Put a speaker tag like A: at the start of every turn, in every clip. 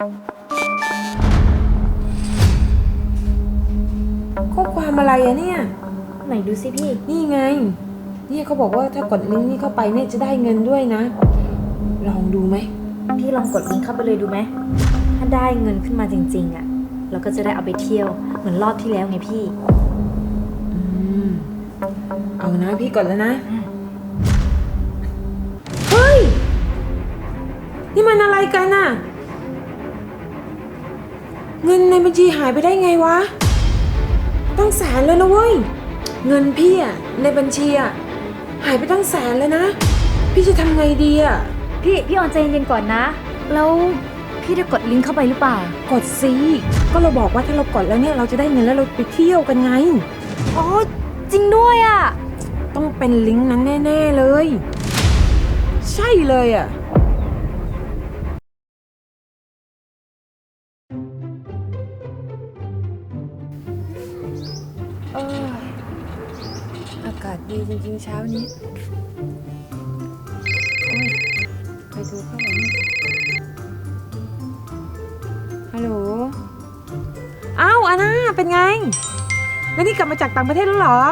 A: ข้อความอะไรอะเนี่ย
B: ไหนดูสิพี่
A: นี่ไงเนี่ยเขาบอกว่าถ้ากดลิงก์นี้เข้าไปเนี่ยจะได้เงินด้วยนะลองดูไหม
B: พี่ลองกดลิงก์เข้าไปเลยดูไหมถ้าได้เงินขึ้นมาจริงๆอะเราก็จะได้เอาไปเที่ยวเหมือนรอบที่แล้วไงพี่
A: เอานะพี่กดแล้วนะเฮ้ยนี่มันอะไรกันน่ะเงินในบัญชีหายไปได้ไงวะต้องแสนเลยนะเว้ยเงินพี่อะในบัญชีอะหายไปตั้งแสนเลยนะพี่จะทำไงดีอะ
B: พี่ออนใจเย็นๆก่อนนะแล้วพี่ได้กดลิงก์เข้าไปหรือเปล่าก
A: ดสิก็เราบอกว่าถ้าเรากดแล้วเนี่ยเราจะได้เงินแล้วเราไปเที่ยวกันไง
B: อ๋อจริงด้วยอะ
A: ต้องเป็นลิงก์นั้นแน่ๆเลยใช่เลยอะอากาศดีจริงๆเช้านี้ไปดูข้างหลังฮัลโหลอ้าวอาน่าเป็นไงแล้วนี่กลับมาจากต่างประเทศแล้วเหรอ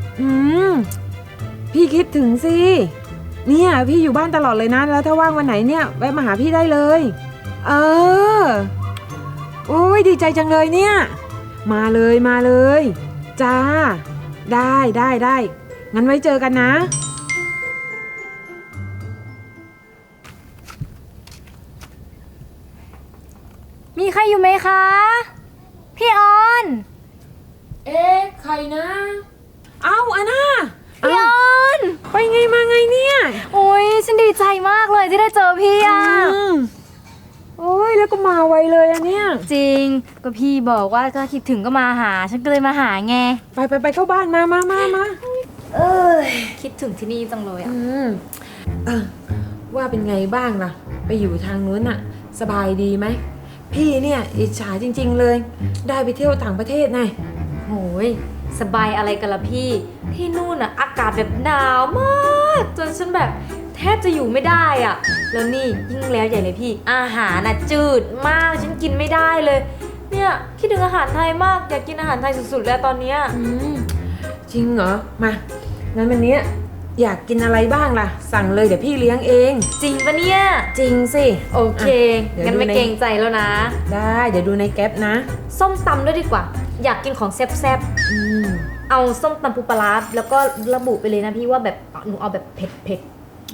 A: พี่คิดถึงสิเนี่ยพี่อยู่บ้านตลอดเลยนะแล้วถ้าว่างวันไหนเนี่ยแวะมาหาพี่ได้เลยโอ้ยดีใจจังเลยเนี่ยมาเลยจ้าได้งั้นไว้เจอกันนะ
B: มีใครอยู่ไหมคะพี่ออน
A: ใครนะเอ้าอาน่า
B: พี่ออน
A: ไปไงมาไงเนี่ย
B: โอ้ยฉันดีใจมากเลยที่ได้เจอพี่อ่ะ
A: โอ้ยแล้วก็มาไวเลยอะเนี่ย
B: จริงก็พี่บอกว่าถ้าคิดถึงก็มาหาฉันก็เลยมาหาไง
A: ไปเข้าบ้านมา
B: คิดถึงที่นี่จังเลยอ่ะ
A: ว่าเป็นไงบ้างล่ะไปอยู่ทางนู้นอะสบายดีไหมพี่เนี่ยอิจฉาจริงๆเลยได้ไปเที่ยวต่างประเทศไง
B: โหยสบายอะไรกันล่ะพี่ที่นู่นอ่ะอากาศแบบหนาวมากจนฉันแบบแทบจะอยู่ไม่ได้อ่ะแล้วนี่ยิ่งแล้วใหญ่เลยพี่อาหารน่ะจืดมากฉันกินไม่ได้เลยเนี่ยคิดถึงอาหารไทยมากอยากกินอาหารไทยสุดๆแล้วตอนเนี้ย
A: จริงเหรอมางั้นวันนี้อยากกินอะไรบ้างล่ะสั่งเลยเดี๋ยวพี่เลี้ยงเอง
B: จริงปะเนี่ย
A: จริงสิ
B: โอเคงั้นไม่เกรงใจแล้วนะ
A: ได้เดี๋ยวดูในแก๊ปนะ
B: ส้มตำด้วยดีกว่าอยากกินของแซ่บๆเอาส้มตำปูปลาร้าแล้วก็ระบุไปเลยนะพี่ว่าแบบหนูเอาแบบเผ็ด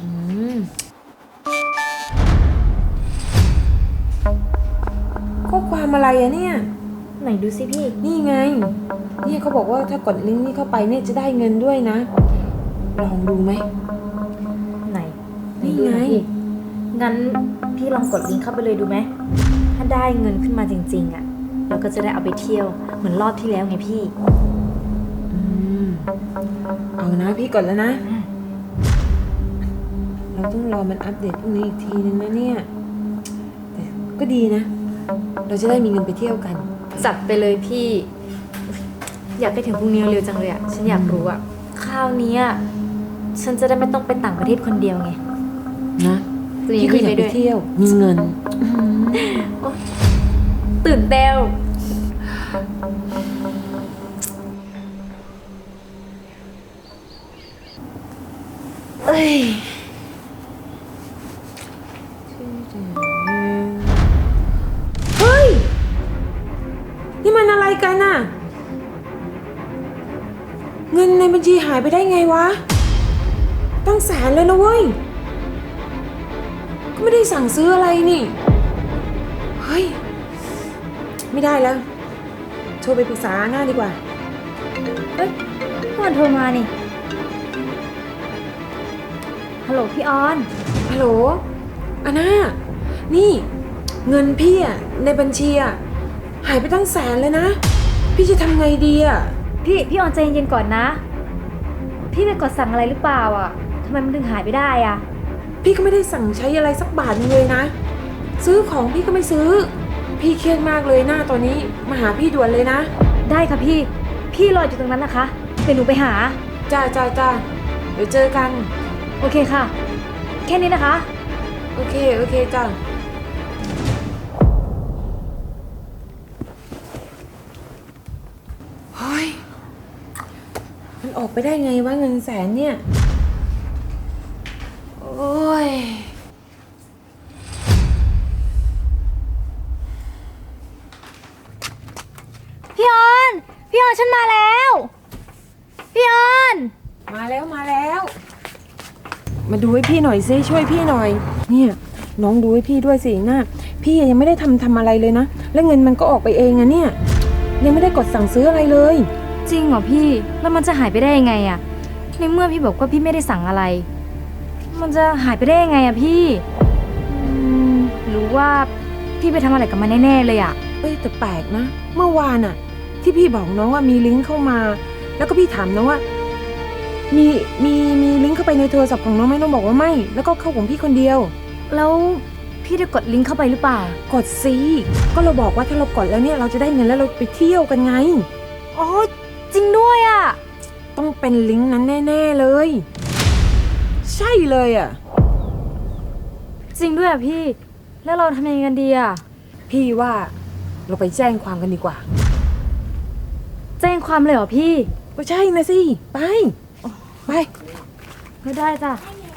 A: ข้อความอะไรอะเนี่ย
B: ไหนดูสิพี่
A: นี่ไงเนี่ยเขาบอกว่าถ้ากดลิงก์นี้เข้าไปเนี่ยจะได้เงินด้วยนะลองดูไหม
B: ไหน
A: นี่ไง
B: งั้นพี่ลองกดลิงก์เข้าไปเลยดูไหมถ้าได้เงินขึ้นมาจริงๆอ่ะเราก็จะได้เอาไปเที่ยวเหมือนรอบที่แล้วไงพี่
A: เอานะพี่กดแล้วนะเราต้องรอมันอัปเดตพรุ่งนี้อีกทีนึงนะเนี่ยแต่ก็ดีนะเราจะได้มีเงินไปเที่ยวกัน
B: จัดไปเลยพี่อยากไปถึงพรุ่งนี้เร็วจังเลยอ่ะฉันอยากรู้อ่ะคราวนี้ฉันจะได้ไม่ต้องไปต่างประเทศคนเดียวไง
A: นะพี่ก็อยากไปเที่ยวมีเงิน
B: ตื่นเต้นเ
A: ฮ้ยนี่มันอะไรกันน่ะเงินในบัญชีหายไปได้ไงวะตั้งแสนเลยนะเว้ยก็ไม่ได้สั่งซื้ออะไรนี่เฮ้ยไม่ได้แล้วโทรไปปรึกษาหน้าดีกว่า
B: เฮ้ยก่อนโทรมานี่ฮัลโหลพี่ออน
A: ฮัลโหลอาน่านี่เงินพี่อะในบัญชีอะหายไปตั้งแสนเลยนะพี่จะทำไงดีอะ
B: พี่ออนใจเย็นๆก่อนนะพี่ไปกดสั่งอะไรหรือเปล่าอ่ะทำไมมันถึงหายไปได้อ่ะ
A: พี่ก็ไม่ได้สั่งใช้อะไรสักบาทนึงเลยนะซื้อของพี่ก็ไม่ซื้อพี่เครียดมากเลยหน้าตอนนี้มาหาพี่ด่วนเลยนะ
B: ได้ค่ะพี่รออยู่ตรงนั้นนะคะเดี๋ยวหนูไปหา
A: จ้าเดี๋ยวเจอกัน
B: โอเคค่ะแค่นี้นะคะ
A: โอเคจ้าออกไปได้ไงวะเงินแสนเนี่ย โอ้ย
B: พี่ออนฉันมาแล้ว พี่ออน
A: มาแล้ว มาดูให้พี่หน่อยซิช่วยพี่หน่อย เนี่ยน้องดูให้พี่ด้วยสินะพี่ยังไม่ได้ทำอะไรเลยนะ แล้วเงินมันก็ออกไปเองอะเนี่ย ยังไม่ได้กดสั่งซื้ออะไรเลย
B: จริงเหรอพี่ แล้วมันจะหายไปได้ยังไงอะในเมื่อพี่บอกว่าพี่ไม่ได้สั่งอะไร มันจะหายไปได้ยังไงอะพี่หรือว่าพี่ไปทำอะไรกับมันแน่ๆเลยอะ
A: เอ้ยแต่แปลกนะ เมื่อวานอะที่พี่บอกน้องว่ามีลิงก์เข้ามา แล้วก็พี่ถามน้องว่า มีลิงก์เข้าไปในโทรศัพท์ของน้องไหมน้องบอกว่าไม่ แล้วก็เข้าของพี่คนเดียว
B: แล้วพี่ได้กดลิงก์เข้าไปหรือเปล่า
A: กดสิก็เราบอกว่าถ้าเรากดแล้วเนี่ยเราจะได้เงินแล้วเราไปเที่ยวกันไง
B: อ๋อจริงด้วยอะ
A: ต้องเป็นลิงก์นั้นแน่ๆเลย ใช่เลยอ่ะ
B: จริงด้วยอะพี่ แล้วเราทำยังไงกันดีอะ
A: พี่ว่าเราไปแจ้งความกันดีกว่า
B: แจ้งความเลยเหรอพี่
A: ก็ใช่นะสิไปไป
B: ไม่ได้จ้ะ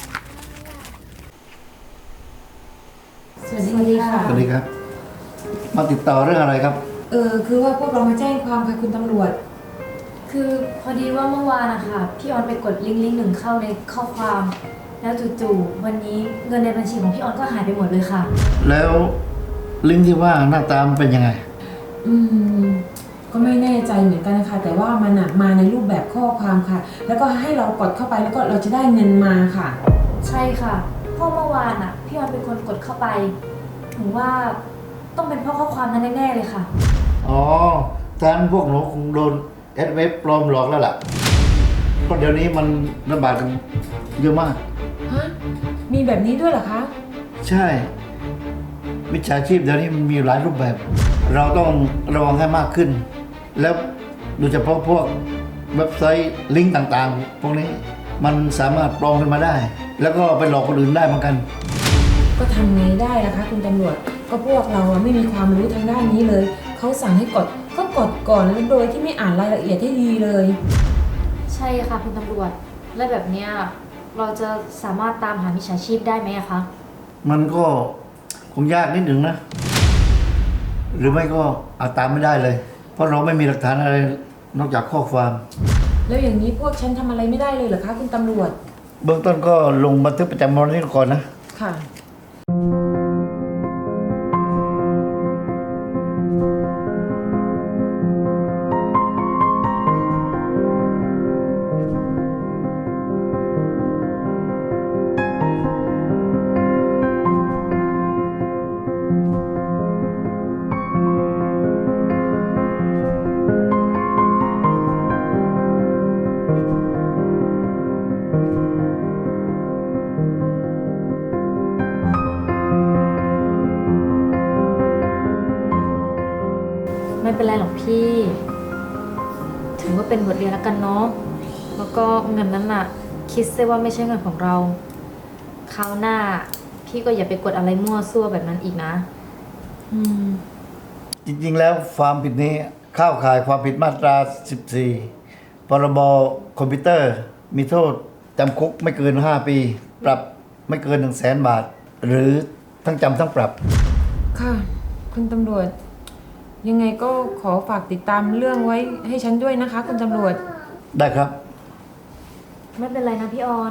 A: สวัสดีค่ะ
C: สวัสดีครับ มาติดต่อเรื่องอะไรครับ
A: คือว่าพวกเรามาแจ้งความค่ะคุณตำรวจ
B: คือพอดีว่าเมื่อวานนะคะพี่ออนไปกดลิงก์หนึ่งเข้าในข้อความ แล้วจู่ๆวันนี้เงินในบัญชีของพี่ออนก็หายไปหมดเลยค่ะ
C: แล้วลิงก์ที่ว่าหน้าตามนเป็นยังไง
A: ก็ไม่แน่ใจเหมือนกันนะคะแต่ว่ามันมาในรูปแบบข้อความค่ะ แล้วก็ให้เรากดเข้าไปแล้วก็เราจะได้เงินมาค่ะ
B: ใช่ค่ะเพราะเมื่อวานอ่ะพี่ออนเป็นคนกดเข้าไปถึงว่าต้องเป็นเพราะข้อความนั้นแน่ๆเลยค่ะ
C: อ๋อท่านพวกหนูคงโดนเว็บปลอมหลอกแล้วล่ะ เพราะเดี๋ยวนี้มันระบาดกันเยอะมาก
A: ฮะ มีแบบนี้ด้วยเหรอคะ
C: ใช่มิจฉาชีพเดี๋ยวนี้มันมีหลายรูปแบบ เราต้องระวังให้มากขึ้น แล้วโดยเฉพาะพวกเว็บไซต์ลิงก์ต่างๆ พวกนี้มันสามารถปลอมขึ้นมาได้ แล้วก็ไปหลอกคนอื่นได้เหมือนกัน
A: ก็ทำไงได้ล่ะคะคุณตำรวจ ก็พวกเราไม่มีความรู้ทางด้านนี้เลย เขาสั่งให้กดก็กดก่อนแล้วโดยที่ไม่อ่านรายละเอียดให้ดีเลย
B: ใช่ค่ะคุณตำรวจและแบบเนี้ยเราจะสามารถตามหามิจฉาชีพได้ไหมอะคะ
C: มันก็คงยากนิดหนึ่งนะ หรือไม่ก็อาจตามไม่ได้เลย เพราะเราไม่มีหลักฐานอะไรนอกจากข้อความ
A: แล้วอย่างนี้พวกฉันทำอะไรไม่ได้เลยเหรอคะคุณตำรวจ
C: เบื้องต้นก็ลงบันทึกประจำวันไว้ก่อนนะ
A: ค่ะ
B: ไม่เป็นไรหรอกพี่ ถือว่าเป็นบทเรียนแล้วกันเนาะแล้วก็เงินนั้นน่ะ คิดซะว่าไม่ใช่เงินของเราคราวหน้า พี่ก็อย่าไปกดอะไรมั่วซั่วแบบนั้นอีกนะ
C: จริงๆแล้วความผิดนี้เข้าข่ายความผิดมาตรา 14 พรบคอมพิวเตอร์ มีโทษจำคุกไม่เกิน 5 ปี ปรับไม่เกิน 100,000 บาท หรือทั้งจำทั้งปรับ
A: ค่ะ คุณตำรวจ ยังไงก็ขอฝากติดตามเรื่องไว้ให้ฉันด้วยนะคะ คุณตำรวจ
C: ได้ครับ
B: ไม่เป็นไรนะพี่ออน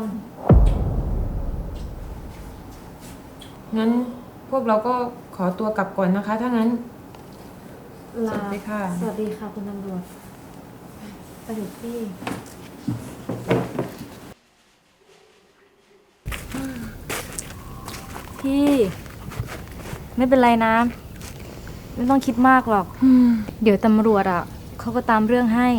A: งั้นพวกเราก็ขอตัวกลับก่อนนะคะ ถ้างั้น
B: ลา
A: สวัสดีค่ะ
B: สวัสดีค่ะคุณตำรวจไปเถอะพี่ พี่ ไม่เป็นไรนะ ไม่ต้องคิดมากหรอก เดี๋ยวตำรวจอ่ะเขาก็ตามเรื่องให้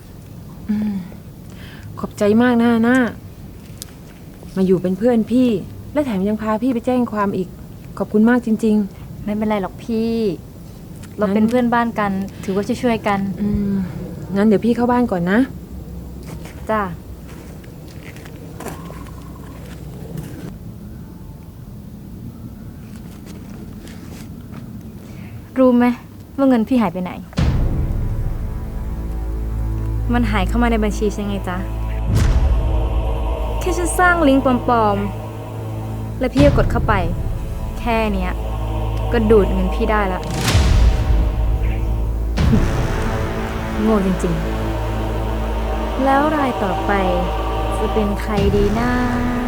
A: ขอบใจมากนะน่ามาอยู่เป็นเพื่อนพี่ และแถมยังพาพี่ไปแจ้งความอีก ขอบคุณมากจริง
B: ไม่เป็นไรหรอกพี่ เราเป็นเพื่อนบ้านกัน ถือว่าช่วยๆกัน
A: ๆ งั้นเดี๋ยวพี่เข้าบ้านก่อนนะ
B: จ้ารู้ไหมว่าเงินพี่หายไปไหน มันหายเข้ามาในบัญชีใช่ไงจ๊ะแค่ฉันสร้างลิงก์ปลอมๆ แล้วพี่ก็กดเข้าไป แค่เนี้ย ก็ดูดเงินพี่ได้ละ โง่จริงๆ แล้วรายต่อไปจะเป็นใครดีนะ